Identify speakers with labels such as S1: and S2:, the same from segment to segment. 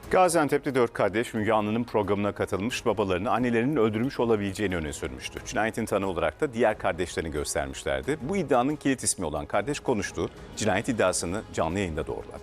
S1: Gaziantep'te 4 kardeş Müge Anlı'nın programına katılmış, babalarını annelerinin öldürmüş olabileceğini öne sürmüştü. Cinayetin tanığı olarak da diğer kardeşlerini göstermişlerdi. Bu iddianın kilit ismi olan kardeş konuştu. Cinayet iddiasını canlı yayında doğruladı.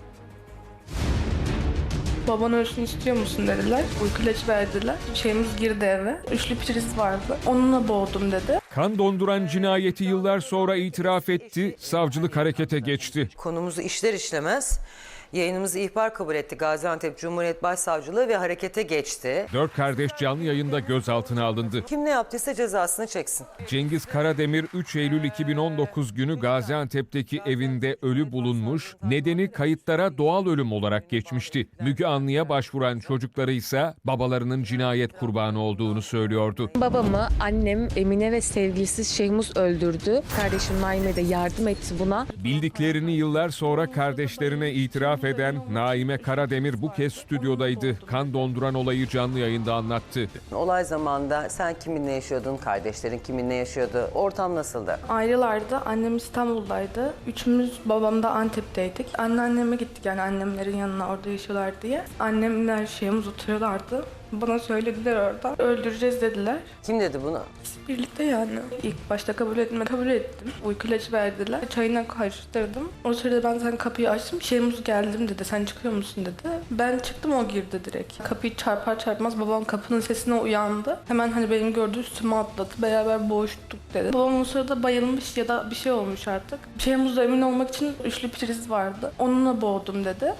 S2: Baban ölsün istiyor musun dediler. Uyku ilacı verdiler. Şeyimiz girdi eve. Üçlü priz vardı. Onunla boğdum dedi.
S3: Kan donduran cinayeti yıllar sonra itiraf etti, savcılık harekete geçti.
S4: Konumuzu işler işlemez yayınımızı ihbar kabul etti. Gaziantep Cumhuriyet Başsavcılığı ve harekete geçti.
S3: 4 kardeş canlı yayında gözaltına alındı.
S4: Kim ne yaptıysa cezasını çeksin.
S3: Cengiz Karademir 3 Eylül 2019 günü Gaziantep'teki evinde ölü bulunmuş, nedeni kayıtlara doğal ölüm olarak geçmişti. Müge Anlı'ya başvuran çocukları ise babalarının cinayet kurbanı olduğunu söylüyordu.
S5: Babamı annem Emine ve sevgilisi Şehmuz öldürdü. Kardeşim Naime de yardım etti buna.
S3: Bildiklerini yıllar sonra kardeşlerine itiraf eden Naime Karademir bu kez stüdyodaydı. Kan donduran olayı canlı yayında anlattı.
S4: Olay zamanında sen kiminle yaşıyordun? Kardeşlerin kiminle yaşıyordu? Ortam nasıldı?
S2: Ayrılardı. Annem İstanbul'daydı. Üçümüz babam da Antep'teydik. Anneanneme gittik, yani annemlerin yanına, orada yaşıyorlar diye. Annemler şeyimiz oturuyorlardı. Bana söylediler orada. Öldüreceğiz dediler.
S4: Kim dedi bunu?
S2: Birlikte yani. İlk başta kabul ettim. Uyku ilacı verdiler. Çayına karıştırdım. O sırada ben sen kapıyı açtım. Şeyimiz geldim dedi. Sen çıkıyor musun dedi. Ben çıktım, o girdi direkt. Kapıyı çarpar çarpmaz babam kapının sesine uyandı. Hemen hani benim gördüğü üstüme atladı. Beraber boğuştuk dedi. Babam o sırada bayılmış ya da bir şey olmuş artık. Şeyimizde emin olmak için üçlü priz vardı. Onunla boğdum dedi.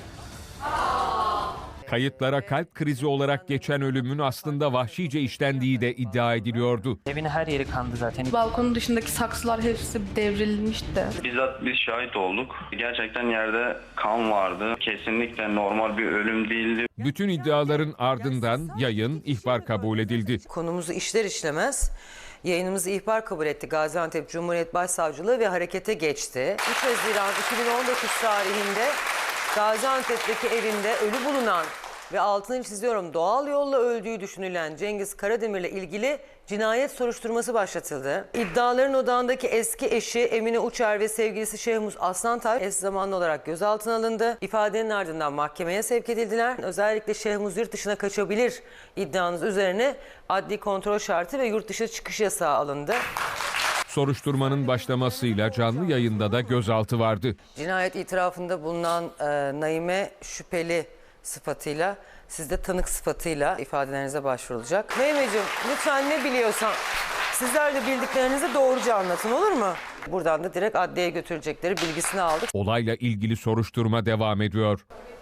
S3: Kayıtlara kalp krizi olarak geçen ölümün aslında vahşice işlendiği de iddia ediliyordu.
S6: Evin her yeri kandı zaten.
S2: Balkonun dışındaki saksılar hepsi devrilmişti.
S7: Bizzat biz şahit olduk. Gerçekten yerde kan vardı. Kesinlikle normal bir ölüm değildi.
S3: Bütün iddiaların ardından yayın ihbar kabul edildi.
S4: Konumuzu işler işlemez yayınımızı ihbar kabul etti. Gaziantep Cumhuriyet Başsavcılığı ve harekete geçti. 3 Haziran 2019 tarihinde Gaziantep'teki evinde ölü bulunan ve altını çiziyorum doğal yolla öldüğü düşünülen Cengiz Karademir'le ilgili cinayet soruşturması başlatıldı. İddiaların odağındaki eski eşi Emine Uçer ve sevgilisi Şehmuz Aslantay eş zamanlı olarak gözaltına alındı. İfadenin ardından mahkemeye sevk edildiler. Özellikle Şehmuz yurt dışına kaçabilir iddianız üzerine adli kontrol şartı ve yurt dışı çıkış yasağı alındı.
S3: Soruşturmanın başlamasıyla canlı yayında da gözaltı vardı.
S4: Cinayet itirafında bulunan Naime şüpheli sıfatıyla, siz de tanık sıfatıyla ifadelerinize başvurulacak. Naimeciğim lütfen ne biliyorsan sizler de bildiklerinizi doğruca anlatın, olur mu? Buradan da direkt adliyeye götürecekleri bilgisini aldık.
S3: Olayla ilgili soruşturma devam ediyor.